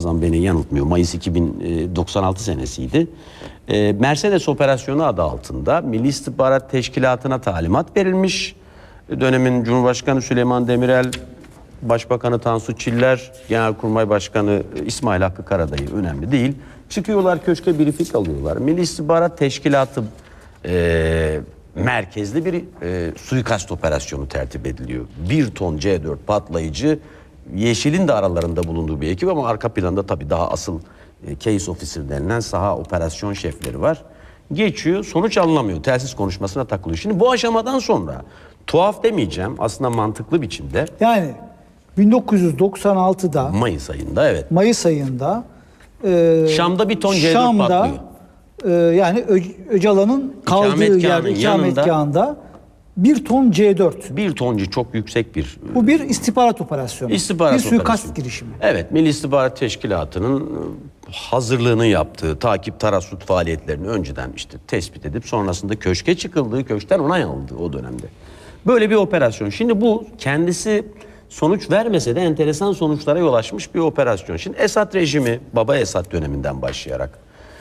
hafızam beni yanıltmıyor. Mayıs 2096 senesiydi. Mercedes operasyonu adı altında Milli İstihbarat Teşkilatı'na talimat verilmiş. Dönemin Cumhurbaşkanı Süleyman Demirel, Başbakanı Tansu Çiller, Genelkurmay Başkanı İsmail Hakkı Karadayı, önemli değil. Çıkıyorlar köşke, briefing alıyorlar. Milli İstihbarat Teşkilatı merkezli bir suikast operasyonu tertip ediliyor. 1 ton C4 patlayıcı, Yeşil'in de aralarında bulunduğu bir ekip ama arka planda tabii daha asıl case officer denilen saha operasyon şefleri var. Geçiyor, sonuç alınamıyor. Telsiz konuşmasına takılıyor. Şimdi bu aşamadan sonra tuhaf demeyeceğim, aslında mantıklı biçimde. Yani 1996'da Mayıs ayında, evet. Mayıs ayında Şam'da 1 ton C4 Şam'da, patlıyor. Yani Öcalan'ın kaldığı yerde, ikametgahında 1 ton C4. 1 toncu çok yüksek bir... Bu bir istihbarat operasyonu. Bir suikast operasyonu. girişimi. Evet, Milli İstihbarat Teşkilatı'nın hazırlığını yaptığı, takip tarassut faaliyetlerini önceden işte tespit edip sonrasında köşke çıkıldığı, köşkten onay alındığı o dönemde. Böyle bir operasyon. Şimdi bu kendisi sonuç vermese de enteresan sonuçlara yol açmış bir operasyon. Şimdi Esad rejimi, Baba Esad döneminden başlayarak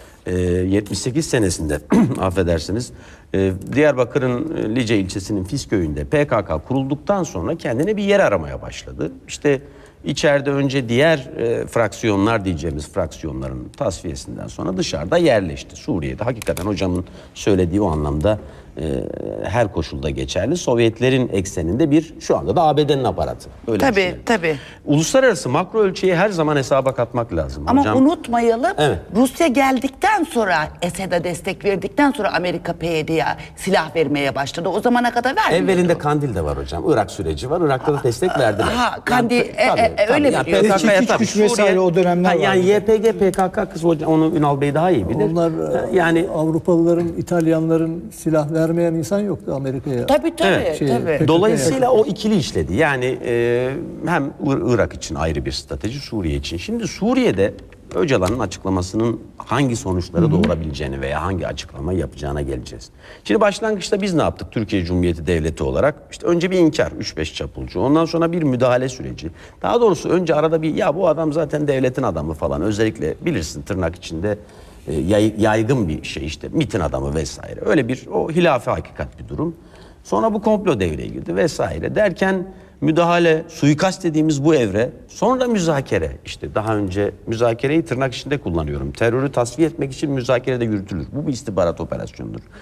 78 senesinde affedersiniz, Diyarbakır'ın Lice ilçesinin Fis köyünde PKK kurulduktan sonra kendine bir yer aramaya başladı. İşte içeride önce diğer fraksiyonlar diyeceğimiz fraksiyonların tasfiyesinden sonra dışarıda yerleşti. Suriye'de hakikaten hocamın söylediği o anlamda her koşulda geçerli. Sovyetlerin ekseninde bir, şu anda da ABD'nin aparatı. Öyle tabii, tabii. Uluslararası makro ölçeği her zaman hesaba katmak lazım. Ama hocam, unutmayalım, evet, Rusya geldikten sonra, Esad'a destek verdikten sonra Amerika PYD'ye silah vermeye başladı. O zamana kadar vermiyordu. Evvelinde Kandil de var hocam. Irak süreci var. Irak'ta da destek verdiler. Kandil, öyle yani biliyorum. PKK'ya tabii. Güç vesaire o dönemler var. Yani YPG, PKK kız hocam, onu Ünal Bey daha iyi bilir. Onlar yani Avrupalıların, İtalyanların silah vermeyen insan yoktu Amerika'ya. Tabii. Evet, Tabii. dolayısıyla o ikili işledi. Yani hem Irak için ayrı bir strateji, Suriye için. Şimdi Suriye'de Öcalan'ın açıklamasının hangi sonuçları doğurabileceğini veya hangi açıklama yapacağına geleceğiz. Şimdi başlangıçta biz ne yaptık Türkiye Cumhuriyeti Devleti olarak? İşte önce bir inkar, 3-5 çapulcu. Ondan sonra bir müdahale süreci. Daha doğrusu önce arada bir, ya bu adam zaten devletin adamı falan. Özellikle bilirsin tırnak içinde yaygın bir şey, işte MİT'in adamı vesaire. Öyle bir o hilafe hakikat bir durum. Sonra bu komplo devreye girdi vesaire derken müdahale, suikast dediğimiz bu evre, sonra müzakere. İşte daha önce müzakereyi tırnak içinde kullanıyorum. Terörü tasfiye etmek için müzakere de yürütülür. Bu bir istihbarat operasyonudur.